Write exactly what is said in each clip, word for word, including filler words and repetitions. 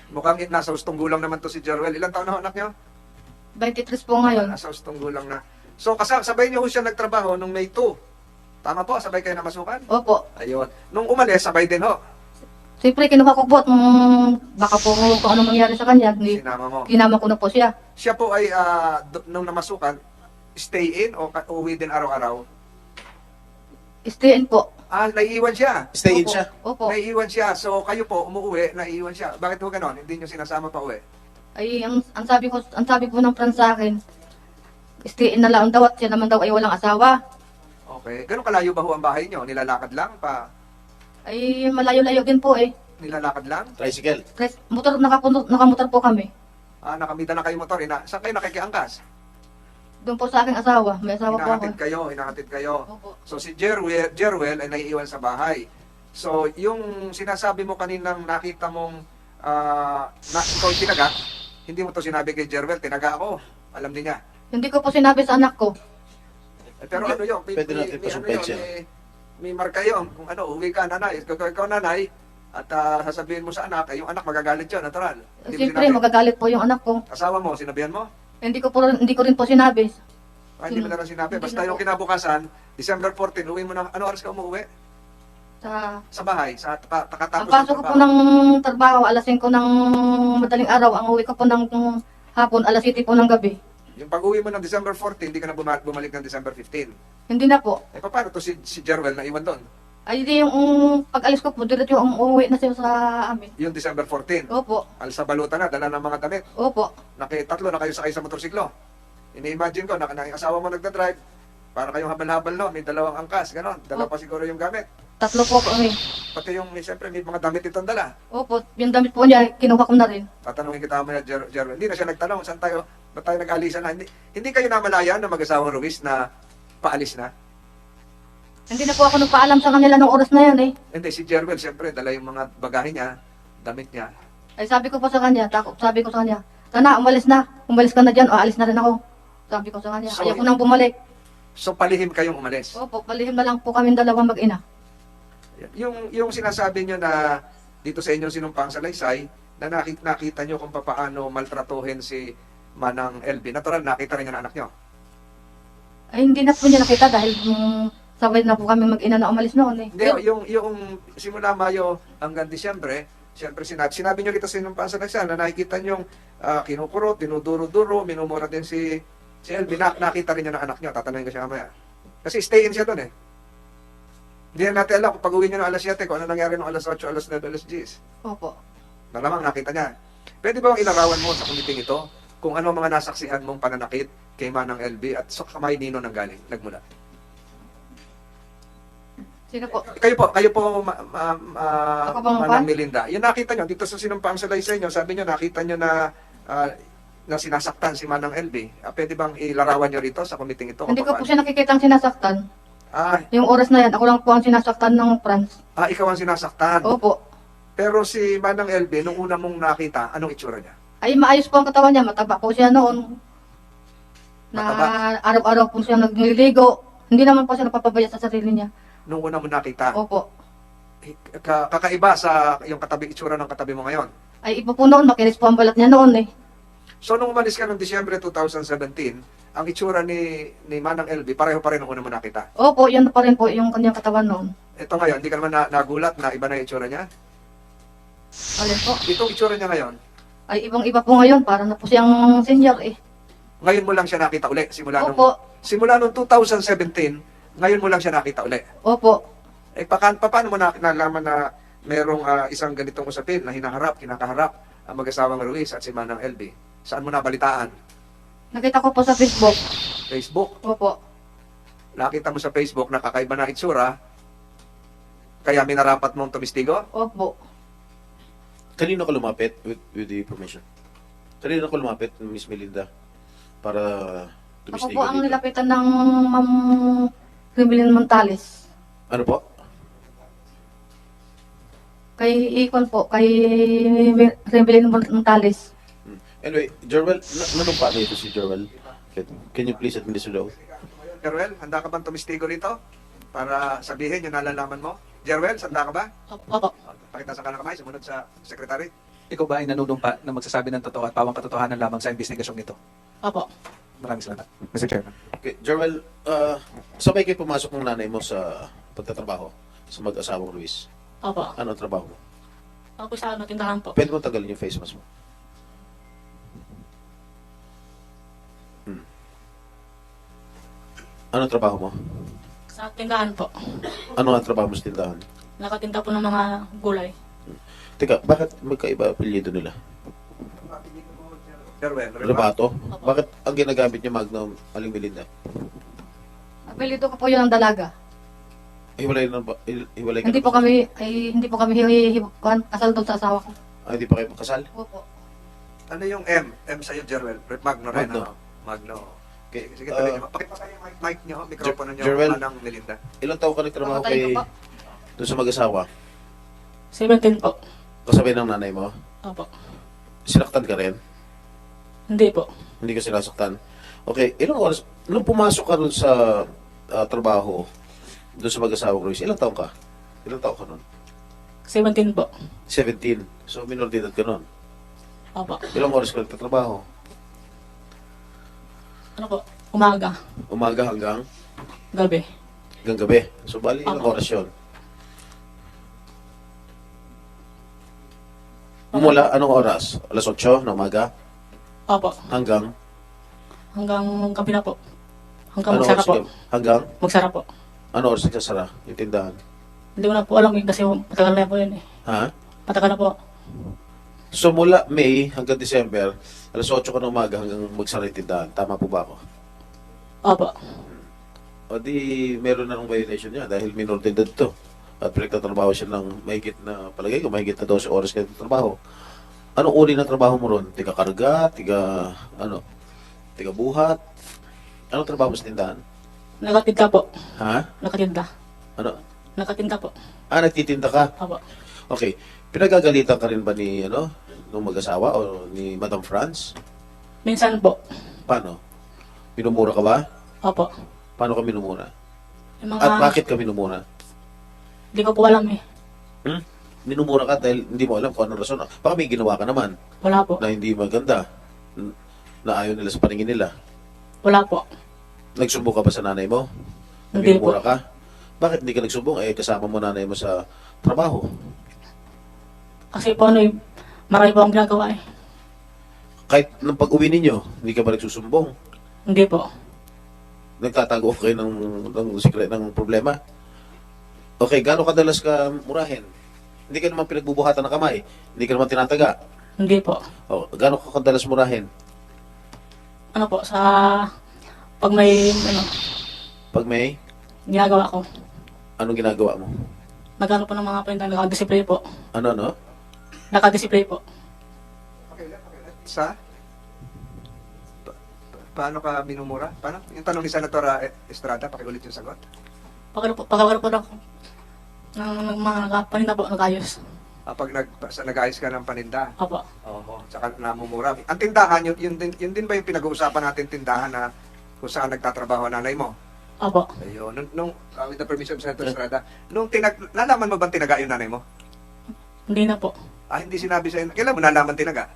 Mukhang it, nasa ustong gulang naman to si Jerwel. Ilang taon na ho, anak nyo? twenty-three po ngayon. Nasa ustong gulang na. So, kasama, sabay niyo ho siya nagtrabaho nung May two. Tama po, sabay kayo namasukan? Opo. Ayun. Nung umalis, sabay din ho. Siyempre, kinuha ko po at mm, baka po kung ano mangyari sa kanya. Hindi, Sinama mo. kinama ko na po siya. Siya po ay, ah, d- nung namasukan, stay in o ka- uwi din araw-araw? Stay in po. Ah, naiiwan siya. Stay in Opo. siya. Opo. Naiiwan siya. So, kayo po, umuwi, naiiwan siya. Bakit po ganon? Hindi niyo sinasama pa uwi? Ay, ang, ang sabi ko, ang sabi po ng friend sa akin, stay in na lang daw at siya naman daw ay walang asawa. Okay. Ganun kalayo ba ho ang bahay niyo? Nilalakad lang pa? Ay, malayo-layo din po eh. Nilalakad lang? Tricycle. Tres- Motor, nakapunot, nakamotor po kami. Ah, nakamida na kayo motor. Ina, saan kayo nakikiangkas? Doon po sa aking asawa. May asawa po ako. Hinahatid kayo, hinahatid kayo. Opo. So si Jerwel, Jerwel ay naiiwan sa bahay. So yung sinasabi mo kaninang nakita mong ah, na, ikaw yung tinaga, hindi mo to sinabi kay Jerwel, tinaga ako. Alam din niya. Hindi ko po sinabi sa anak ko. Eh, pero ano yun? May, Pwede may, natin may, ano pasumpel yun, siya. may, may marka yun. Kung ano, uwi ka, nanay. Ikaw, ikaw nanay, at ah, sasabihin mo sa anak, eh, yung anak magagalit yun, natural. Hindi mo Siyempre, sinabi. magagalit po yung anak ko. Asawa mo, sinabihan mo? Hindi ko po rin- hindi ko rin po sinabi. Ah, hindi mo na lang sinabi. Hindi Basta na yung po. kinabukasan, December fourteen, uwi mo na, ano oras ka umuwi? Sa Sa bahay, sa ta- ang takatapos pasok ko po ng trabaho, alas singko ng madaling araw. Ang uwi ko po ng hapon, alas siyete po ng gabi. Yung pag-uwi mo ng December fourteen, hindi ka na buma- bumalik ng December fifteen. Hindi na po. Eh, paano to si, si Jerwel na iwan doon? Ay, di yung um, pag-alis ko po, diretso yung umuwi na siya sa amin. Yung December fourteen. Opo. Al sa balutan na, dala ng mga damit. Opo. Nakitatlo na kayo sakay sa motorsiklo. Ini-imagine ko, na, na yung asawa mo nagdadrive, para kayong habal-habal, no? May dalawang angkas, gano'n. Dala Oh. pa siguro yung gamit. Tatlo po kami. Pati yung, may, siyempre, may mga damit itong dala. Opo. Yung damit po niya, kinuha ko na rin. Tatanungin kita mo na, Jer- Jerwel. Hindi na siya nagtanong, saan tayo, ba't tayo nag-alisan na? Hindi, hindi kayo namalaya ng mag-asawang Ruiz na paalis na? Hindi na po ako nagpaalam sa kanila nung oras na yan eh. Hindi, si Jerwel, siyempre, dala yung mga bagahe niya, damit niya. Ay sabi ko po sa kanya, tako, sabi ko sa kanya, sana umalis na. Umalis ka na dyan o alis na rin ako. Sabi ko sa kanya, So, ayaw ko nang bumalik. So, palihim kayong umalis. Opo, palihim na lang po kami dalawang mag-ina. Yung yung sinasabi nyo na dito sa inyong sinumpang salaysay, na nakita, nakita nyo kung paano maltratuhin si Manang L B. Natural, nakita rin yung anak nyo. Ay hindi na po niya nakita dahil um, sabay na po kami mag-ina na umalis noon eh. Hindi, yung, yung simula Mayo hanggang Disyembre, siyempre sinabi, sinabi nyo dito sa sinumpang salaysay na nakikita nyo uh, kinukurot, dinuduro-duro, minumura din si, si L B. Na, nakita rin nyo ng anak nyo. Tatanungin ko siya mamaya. Kasi stay in siya doon eh. Hindi na natin alam kung pag-uwi nyo ng alas siyete, kung ano nangyari ng alas otso, alas nuwebe, alas diyes. Opo. Malamang nakita niya. Pwede ba bang ilarawan mo sa kumiting ito kung ano mga nasaksihan mong pananakit kay Manang L B at sa kamay nino nang galing, nagmula? Sino po? Kayo po, kayo po, ma, ma, ma- Ako bang Manang pan? Melinda. Yung nakita nyo, dito sa sinumpang salaysay nyo, sabi nyo, nakita nyo na ah, na sinasaktan si Manang L B. Ah, pwede bang ilarawan nyo rito sa kumiting ito? Hindi kung ko po paano? siya nakikita ang sinasaktan. Ah, Yung oras na yan, ako lang po ang sinasaktan ng Franz. ah, ikaw ang sinasaktan. Opo. Pero si Manang L B, nung una mong nakita, anong itsura niya? Ay maayos po ang katawan niya, mataba po siya noon. Na Mataba? araw-araw po siya nagliligo. Hindi naman po siya napapabaya sa sarili niya. Nung una mo nakita, Opo. ka- kakaiba sa yung katabi, itsura ng katabi mo ngayon. Ay iba po noon, makinis po ang balat niya noon eh. So nung umalis ka noong Disyembre twenty seventeen, ang itsura ni ni Manang L B pareho pa rin nung una mo nakita. Opo, yun pa rin po yung kanyang katawan noon. Ito ngayon, hindi ka naman na, nagulat na iba na yung itsura niya. Alin po? Itong itsura niya ngayon, Ay ibang iba po ngayon, para na po siyang senior eh. ngayon mo lang siya nakita uli simula nung Opo, simula nung twenty seventeen, ngayon mo lang siya nakita uli. opo. Eh pa, pa, paano mo na, nalaman na merong ah, isang ganitong usapin na hinaharap, kinakaharap ang mag-asawang Ruiz at si Manang L B? Saan mo nabalitaan? Nakita ko po sa Facebook. Facebook. Opo. Nakita mo sa Facebook na kakaiba na itsura, kaya minarapat mong tumistigo? Opo. Kanino ka lumapit with, with the permission? Kanino ka lumapit, Miss Melinda? Para Ako tumistigo po ang dito? nilapitan ng Ma'am Rimilin Montales. Ano po? Kay Ikon po, kay Rimilin Montales. Hmm. Anyway, Jerwel, na- nanumpa na ito si Jerwel. Can, can you please administer the oath? Jerwel, handa ka bang tumistigo rito? Para sabihin yung nalalaman mo? Jerwel, handa ka ba? Opo. Pakita sa kanang kamay, sumunod sa secretary. ikaw ba ay nanunumpa na magsasabi ng totoo at pawang katotohanan lamang sa investigasyong ito? Opo. Maraming salamat. Mister Chairman. Okay, Jerwel, uh, sabay kayo pumasok ng nanay mo sa pagtatrabaho sa mag-asawang Ruiz. Opo. Ano ang trabaho mo? Ako po sa ano, tindahan po. Pwede mo tagalin yung face mask mo. Hmm. Ano ang trabaho mo? Sa tindahan po. Ano ang trabaho mo sa tindahan? Nakatinda po ng mga gulay. Teka, bakit magkaiba apelyido nila? Jerwel, Rebato? Bakit ang ginagamit niya Magnum Aling Melinda? Apelido ko po yun ang dalaga. Hiwalay na ba? hi- Hiwalay ka Hindi na po ba? kami, ay, hindi po kami hi- hi- kuhan, kasal doon sa asawa ko. Ah, hindi pa kayo makasal? Opo. Ano yung M? M sa'yo, Jerwel. Magno rin, Magno. ano? Magno. Okay. Sige, sige, tuloy Uh, niyo. Pakipatay yung mic, mic niyo, mikropono niyo, Jerwel. Manang Melinda. Ilang taon ka nagtrabaho Papatay kay ko po. doon sa mag-asawa? seventeen po. Kasabay ng nanay mo? Opo. Sinaktan ka rin? Hindi po. Hindi ka sinasaktan? Okay, ilang oras? Nung pumasok ka doon sa ah, trabaho, doon sa mag-asawa Ruiz, ilang taon ka? Ilang taon ka nun? seventeen po. seventeen. So, minor de edad ka nun. Opo. Ilang oras ka nagtatrabaho? Ano po? Umaga. Umaga hanggang Gabi. hanggang gabi. So, bali ilang Opo. oras yun? Mula anong oras? alas otso na umaga? Opo. Hanggang? Hanggang gabi na po. Hanggang Ano magsara oras? po. ka- Hanggang? Magsara po. Ano oras nagsasara yung tindahan? Hindi ko na po alam eh, kasi matagal na po yun eh. Ha? Matagal na po. So mula May hanggang December, alas otso ka ng umaga hanggang magsara yung tindahan. Tama po ba ako? Opo. O di meron na ng violation niya dahil minor de edad to. At pinagtatrabaho siya ng mahigit na, palagay ko, mahigit na dose oras kayo trabaho. Anong uri ng trabaho mo ron? Tiga karga? Tiga, ano? Tiga buhat? Anong trabaho mo sa tindahan? Nakatinda po. Ha? Nakatinda. Ano? Nakatinda po. Ah, nagtitinda ka? Opo. Okay. Pinagagalitan ka rin ba ni, ano, nung mag-asawa o ni Madam France? Minsan po. Paano? Minumura ka ba? Opo. Paano ka minumura? Yung mga... At bakit ka minumura? Hindi ko po alam eh. Hmm? Minumura ka dahil hindi mo alam kung anong rason. Baka may ginawa ka naman Wala po. na hindi maganda, n- na ayaw nila sa paningin nila. Wala po. Nagsumbong ka ba sa nanay mo? Na Hindi minumura po. ka? Bakit hindi ka nagsumbong? Eh, kasama mo nanay mo sa trabaho. Kasi po ano eh, marami po akong ginagawa eh. Kahit nang pag-uwi ninyo, hindi ka ba nagsusumbong? Hindi po. Nagtatago kayo ng, ng secret ng problema? Okay, gaano kadalas ka murahin? Hindi ka naman pinagbubuhatan ng kamay. Hindi ka naman tinataga. Hindi po. O, gaano ka kadalas murahin? Ano po, sa... Pag may, ano, Pag may, ginagawa ko. anong ginagawa mo? Nagano po ng mga pinta, nakadisplay po. Ano, ano? Nakadisplay po. Okay, okay. Sa? Pa- pa- paano ka minumura? Paano? Yung tanong ni Senatora Estrada, pakiulit yung sagot. Pag po, pag po ng, ng, ng mga nakapaninda po, nagayos. Ah, pag nag, sa, nag-ayos ka ng paninda, Opo. oo, tsaka namumura. Ang tindahan, yun, yun, din, yun din ba yung pinag-uusapan natin tindahan na kung saan nagtatrabaho ang nanay mo? Opo. Ayun. Nung, nung uh, with the permission of Senator Estrada, nung tinag, nalaman mo bang tinaga yung nanay mo? Hindi na po. Ah, hindi sinabi sa'yo. Kailan mo nalaman tinaga?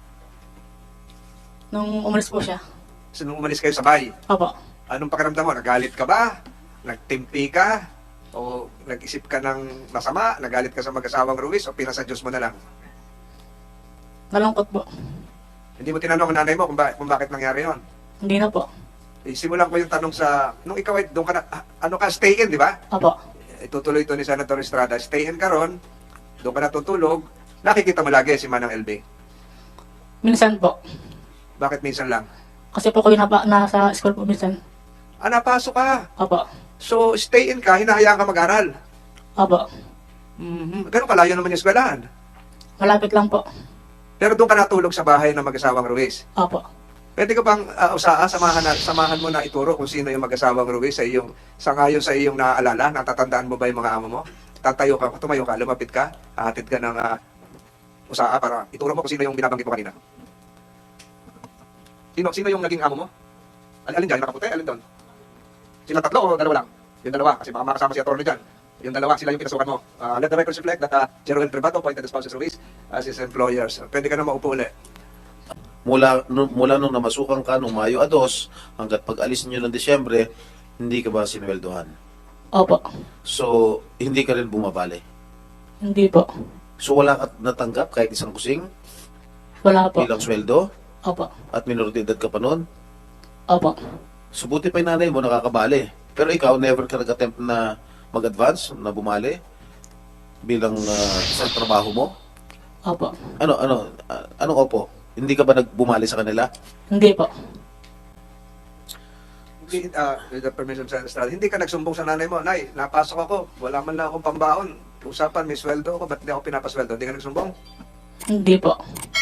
Nung umalis po siya. So, nung umalis kayo sa bahay, Opo. anong pakiramdam mo? Nagalit ka ba? Nagtimpi ka? O nag-isip ka ng masama? Nagalit ka sa mag-asawang Ruiz? O pinasa Diyos mo na lang? Nalungkot po. Hindi mo tinanong ang nanay mo kung, ba- kung bakit nangyari yon. Hindi na po. Eh, simulan ko yung tanong sa, nung ikaw ay doon ka na, ah, ano ka, stay in, di ba? Opo. Itutuloy ito ni Senator Estrada, stay in ka ron, doon ka natutulog, nakikita mo lagi si Manang L B. Minsan po. Bakit minsan lang? Kasi po ko napa, nasa school po minsan. Ah, napasok ka. Opo. So, stay in ka, hinahayaan ka mag-aral. Opo. Mm-hmm. Ganun kalayo naman yung eskwelahan. Malapit lang po. Pero doon ka natulog sa bahay ng mag-asawang Ruiz. Opo. Pwede ka bang uh, usaa, samahan, na, samahan mo na ituro kung sino yung mag-asawang Ruiz sa iyong, sa ngayon sa iyong naaalala, natatandaan mo ba yung mga amo mo? Tatayo ka, tumayo ka, lumapit ka, hahatid ka ng uh, usaa para ituro mo kung sino yung binabanggit mo kanina. Sino, sino yung naging amo mo? Al alin dyan, nakaputi, alin doon? Sila tatlo o dalawa lang? Yung dalawa, kasi baka makasama si attorney dyan. Yung dalawa, sila yung pinasukan mo. Uh, let the records reflect that uh, Jeroen Privato appointed the spouses Ruiz as his employers. Pwede ka na maupo ulit. Mula, nu- mula nung namasukan ka nung Mayo dos hanggat pag-alis niyo ng Disyembre, hindi ka ba sinweldohan? Opo. So, hindi ka rin bumabali. Hindi po. So, wala ka natanggap kahit isang kusing Wala po. bilang sweldo Opo. at minor de edad ka pa noon. Opo. So, buti pa yung nanay mo nakakabali. Pero ikaw, never ka nag-attempt na mag-advance, na bumali bilang uh, sa trabaho mo? Opo. Ano, ano, uh, anong opo? Hindi ka ba nagbumali sa kanila? Hindi po. Hindi, ah, with the permission sa Estrada, hindi ka nagsumbong sa nanay mo, Nay, napasok ako, wala man lang akong pambaon. Usapan, may sweldo ako, ba't hindi ako pinapasweldo? Hindi ka nagsumbong? Hindi po.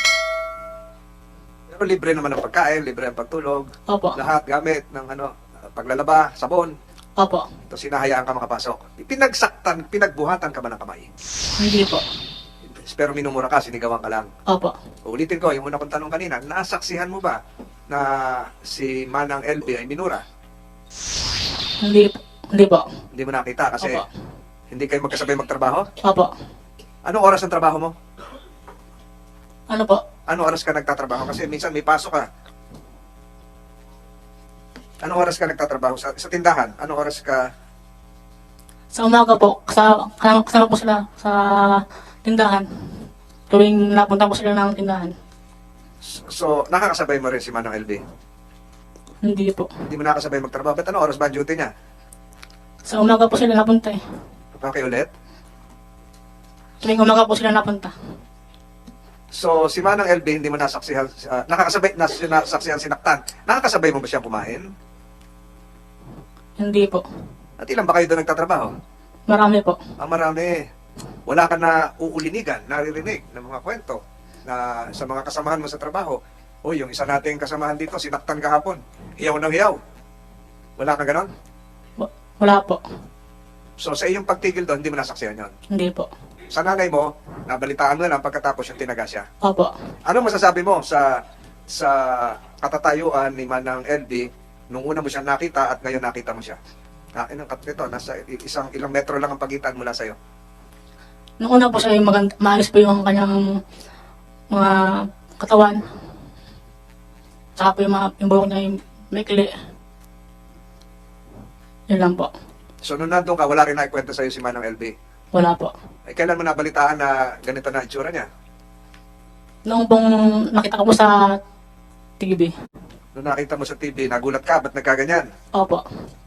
Pero libre naman ang pagkain, libre ang pagtulog, Opo. lahat gamit ng ano, paglalaba, sabon. Opo. Tapos sinahayaan ka makapasok. Pinagsaktan, pinagbuhatan ka ba ng kamay? Hindi po. Pero minumura ka, sinigawan ka lang. Opo. Ulitin ko, yung una kong tanong kanina, nasaksihan mo ba na si Manang L B ay minura? Hindi po. Hindi po. Hindi mo nakita kasi Opo. hindi kayo magkasabay magtrabaho? Opo. Anong oras ang trabaho mo? Ano po? Anong oras ka nagtatrabaho? Kasi minsan may pasok ka. Anong oras ka nagtatrabaho? Sa, sa tindahan, anong oras ka? Sa umaga po, kasama, kasama, kasama po sila sa tindahan. Tuwing napunta po sila ng tindahan. So, nakakasabay mo rin si Manang L B? Hindi po. Hindi mo nakakasabay magtrabaho. Ba't anong oras ba ang duty niya? Sa umaga po sila napunta eh. Okay ulit? Tuwing umaga po sila napunta. So, si Manang L B, hindi mo nasaksihan, uh, nakakasabay, nas, nasaksihan sinaktan. Nakakasabay mo ba siyang kumain? Hindi po. At ilan ba kayo doon nagtatrabaho? Marami po. Ang marami. Wala ka na uulinigan, naririnig ng mga kwento na sa mga kasamahan mo sa trabaho. O yung isa nating kasamahan dito, sinaktan kahapon. Hiyaw ng hiyaw. Wala ka ganon? Wa- Wala po. So, sa iyong pagtigil doon, hindi mo nasaksihan yon. Hindi po. Sa nanay mo, nabalitaan mo na lang pagkatapos yung tinaga siya. Opo. Ano masasabi mo sa sa katatayuan ni Manang L B nung una mo siya nakita at ngayon nakita mo siya? Ah, inang kat nito, nasa isang ilang metro lang ang pagitan mula sa'yo. Nung una po siya yung maganda, maayos po yung kanyang mga katawan. Saka po yung, mga, yung buhok niya yung maikli. Yun lang po. So, nung nandun ka, wala rin naikwento sa'yo si Manang L B. Wala po. Eh, kailan mo nabalitaan na ganito na itsura niya? Noong pong nakita ko po sa T V. Nung nakita mo sa T V, nagulat ka, ba't nagkaganyan? Opo.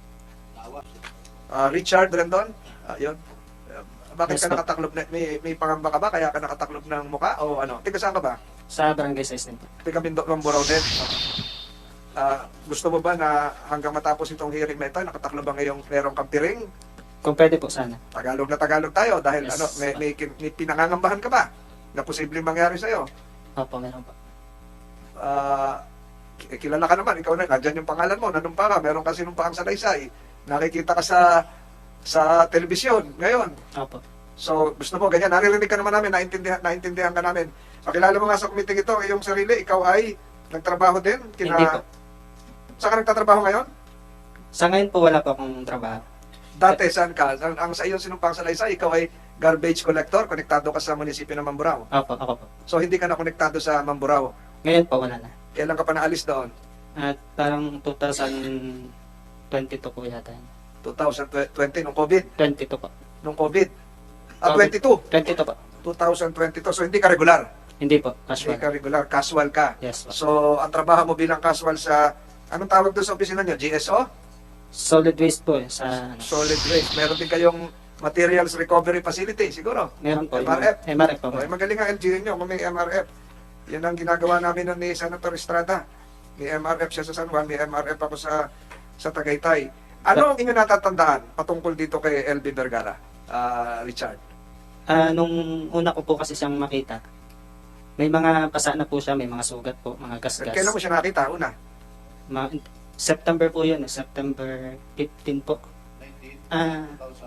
Ah, Richard Rendon? Ah, yun. Ah, bakit Yes, ka po. nakataklob na, may, may pangamba ka ba? Kaya ka nakataklob ng muka? O ano? Tiga saan ka ba? Sa barangay size din po. Tiga Bindok ng Burao din? Ah, gusto mo ba na hanggang matapos itong hearing na ito, nakataklob ba ngayong merong kampiring? Kung pwede po sana. Tagalog na Tagalog tayo dahil Yes. ano, may, may, kin- may pinangangambahan ka ba na posibleng mangyari sa'yo? Opo, meron po. Ah, ki- kilala ka naman, ikaw na, nandyan yung pangalan mo, nanumpa ka, meron ka sinumpaang salaysay, nakikita ka sa sa telebisyon ngayon. Opo. So, gusto mo, ganyan, naririnig ka naman namin, naintindihan, naintindihan ka namin. Pakilala mo nga sa committee ito, iyong sarili, ikaw ay nagtrabaho din? Kina... Hindi po. Saan ka nagtatrabaho ngayon? Sa ngayon po wala po akong trabaho. Dati, saan ka? Ang, ang sa iyong sinumpang salaysay, ikaw ay garbage collector, konektado ka sa munisipyo ng Mamburao. Opo, ako po. So, hindi ka na konektado sa Mamburao. Ngayon po wala na. Kailan ka pa naalis doon? At parang twenty twenty-two po yata. yun. twenty twenty, nung COVID? twenty-two po. Nung COVID? Ah, COVID. twenty-two? twenty-two po. twenty twenty-two. So, hindi ka regular? Hindi po, Hindi casual. ka regular, casual ka. Yes po. So, ang trabaho mo bilang casual sa, anong tawag doon sa opisina nyo? G S O? Solid waste po eh, sa Solid waste. Meron din kayong materials recovery facility, siguro. meron po. M R F. yung- M R F po. Okay, magaling ang L G U nyo kung may M R F. Yan ang ginagawa namin nun ni Senator Estrada. May M R F siya sa San Juan, may M R F ako sa sa Tagaytay. Ano ang inyong natatandaan patungkol dito kay L B Vergara, ah, Richard? Ah, nung una ko po kasi siyang makita, may mga pasa na po siya, may mga sugat po, mga gasgas. Kailan mo siya nakita? Una? Ma- September po yun, eh, September fifteen po. Ah,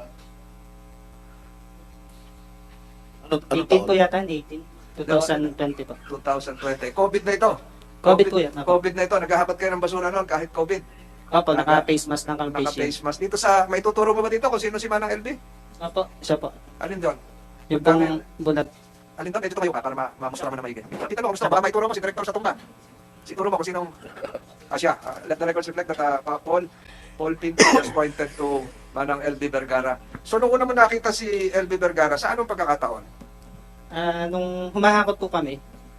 Ano, ano eighteen po taon? yata, eighteen. twenty twenty po. twenty twenty. COVID na ito. COVID po yan. Opo, COVID na ito. Naghahapat kayo ng basura noon kahit COVID. Opo naka-face mask lang kang face shield. Naka-face mask. Dito sa, may tuturo mo ba dito kung sino si Manang L B? Opo, siya po. Alin doon? Yung pong bulat, Alin doon? Eh, dito kayo ka para ma mamustra mo na maigi. Kita mo, kamusta? Baka maituro mo si Director sa tumba. Siguro mo kung sinong... Ah, siya. Ah, let the records reflect that uh, pa- Paul, Paul Pinto was pointed to Manang L B Vergara. So, nung una mo nakita si L B Vergara, sa anong pagkakataon? Ah, nung humahakot po kami,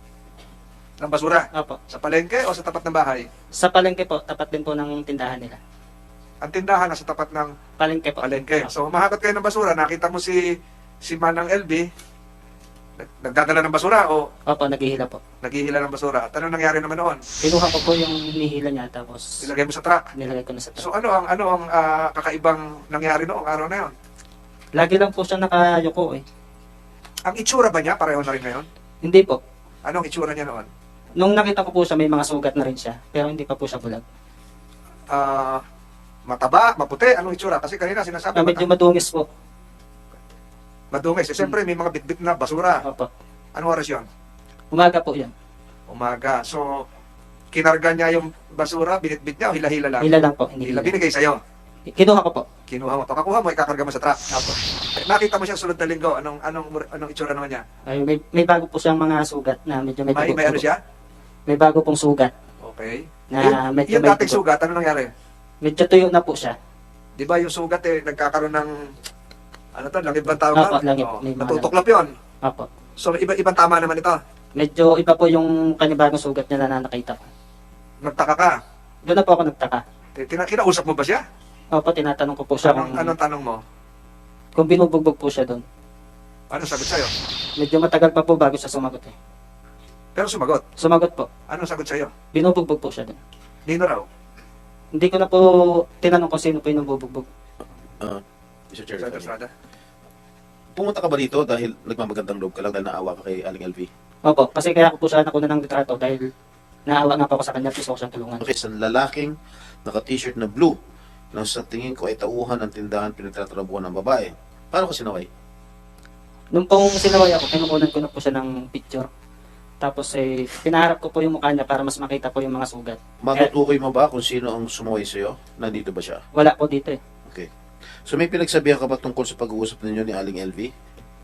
Ng basura? opo, Sa palengke o sa tapat ng bahay? sa palengke po, tapat din po ng tindahan nila. Ang tindahan nasa tapat ng Palengke po. palengke. So, humahakot kayo ng basura, nakita mo si si Manang L B, nag- nagdadala ng basura o Opo, naghihila po. naghihila ng basura. At ano nangyari naman noon? Kinuha ko po yung hinihila niya tapos Ilagay mo sa truck. nilagay ko na sa truck. So, ano ang ano ang ah, kakaibang nangyari noong araw na yon? Lagi lang po siya nakayuko eh. Ang itsura ba niya? Pareho na rin ngayon? Hindi po. Anong itsura niya noon? Nung nakita ko po siya, may mga sugat na rin siya. Pero hindi pa po siya bulag. Ah, mataba, maputi, anong itsura? Kasi kanina sinasabi Ah, medyo mata- madungis po. madungis. Eh, siyempre, may mga bitbit na basura. Opo. Anong oras yon? Umaga po yan. Umaga. So, kinarga niya yung basura, binitbit niya o hila-hila lang? Hila lang po. Hindi Hila. hila. Binigay sa'yo. Kinuha ko po. Kinuha mo. Pagkakuha mo, ikakarga mo sa truck. Opo. Eh, nakita mo siya sunod na linggo. Anong, anong, anong itsura naman niya? Ay, may, may bago po siyang mga sugat na medyo may May, tubo- may ano siya? May bago pong sugat Okay. na yung, medyo yung may dating tubo. sugat, ano nangyari? Medyo tuyo na po siya. Di ba yung sugat eh, nagkakaroon ng, ano to, langib bang tawag? Opo, ba? langib. Oo, May mga natutuklap yun. Opo. So, iba, ibang tama naman ito. Medyo iba po yung kanibagong sugat niya na nakita ko. Nagtaka ka. Doon na po ako nagtaka. Tina, kinausap mo ba siya? Opo, tinatanong ko po siya Anong, kung, anong tanong mo? kung binubugbog po siya doon. Ano sagot sa'yo? Medyo matagal pa po bago siya sumagot eh. Pero sumagot. Sumagot po. Anong sagot sa'yo? Binubugbog po siya doon. Nino raw. Hindi ko na po tinanong kung sino po yung nabubugbog. Uh, Mister Chair, Sa Estrada. pumunta ka ba dito dahil nagmamagandang loob ka lang dahil naawa ka kay Aling L V? Opo, kasi kaya ako po siya nakuna ng litrato dahil naawa nga po ako sa kanya, gusto ko siyang tulungan. Okay, isang lalaking naka-t-shirt na blue na sa tingin ko ay tauhan ng tindahan pinagtatrabuhan ng babae. Paano ka sinaway? Nung pong sinaway ako, kinukunan ko na po siya ng picture. Tapos eh, pinaharap ko po yung mukha niya para mas makita po yung mga sugat. Matutukoy mo ba kung sino ang sumaway sa'yo? Nandito ba siya? Wala po dito eh. Okay. So may pinagsabihan ka ba tungkol sa pag-uusap ninyo ni Aling L V?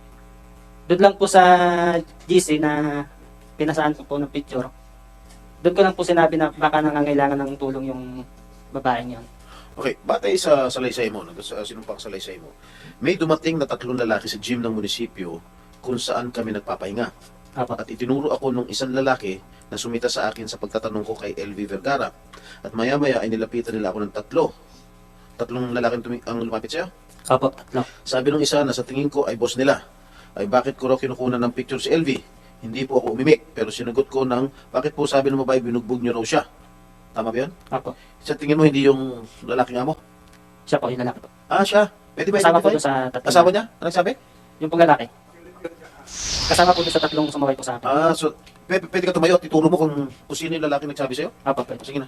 Doon lang po sa G C na pinasaan ko po ng picture. Doon ko lang po sinabi na baka nangangailangan ng tulong yung babaeng yun. Okay, batay sa salaysay mo, no, sa sinumpang salaysay mo, may dumating na tatlong lalaki sa gym ng munisipyo kung saan kami nagpapahinga. Apo. At itinuro ako nung isang lalaki na sumita sa akin sa pagtatanong ko kay L V Vergara. At maya-maya ay nilapitan nila ako ng tatlo. Tatlong lalaki tumi- ang lumapit sa'yo. Apo, tatlo. Sabi nung isa na sa tingin ko ay boss nila, ay bakit ko raw kinukunan ng picture si L V? Hindi po ako umimik, pero sinagot ko ng bakit po sabi ng babae binugbog niyo raw siya. Tama ba yun? Apo. Sa tingin mo hindi yung lalaking amo? Siya po, yung lalaki po. Ah, siya. Pwede ba Kasama po identify? doon sa tatlong. Asawa niya? Anong sabi? Yung pong lalaki. Kasama po doon sa tatlong sumaway po sa akin. Ah, so pwede, pwede ka tumayo at ituro mo kung, kung sino yung lalaki nagsabi sa'yo? Apo, pwede. Sige na.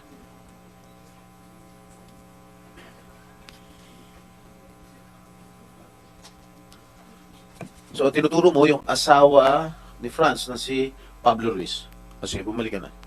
So, tinuturo mo yung asawa ni Franz na si Pablo Ruiz. O sige, bumalik ka na.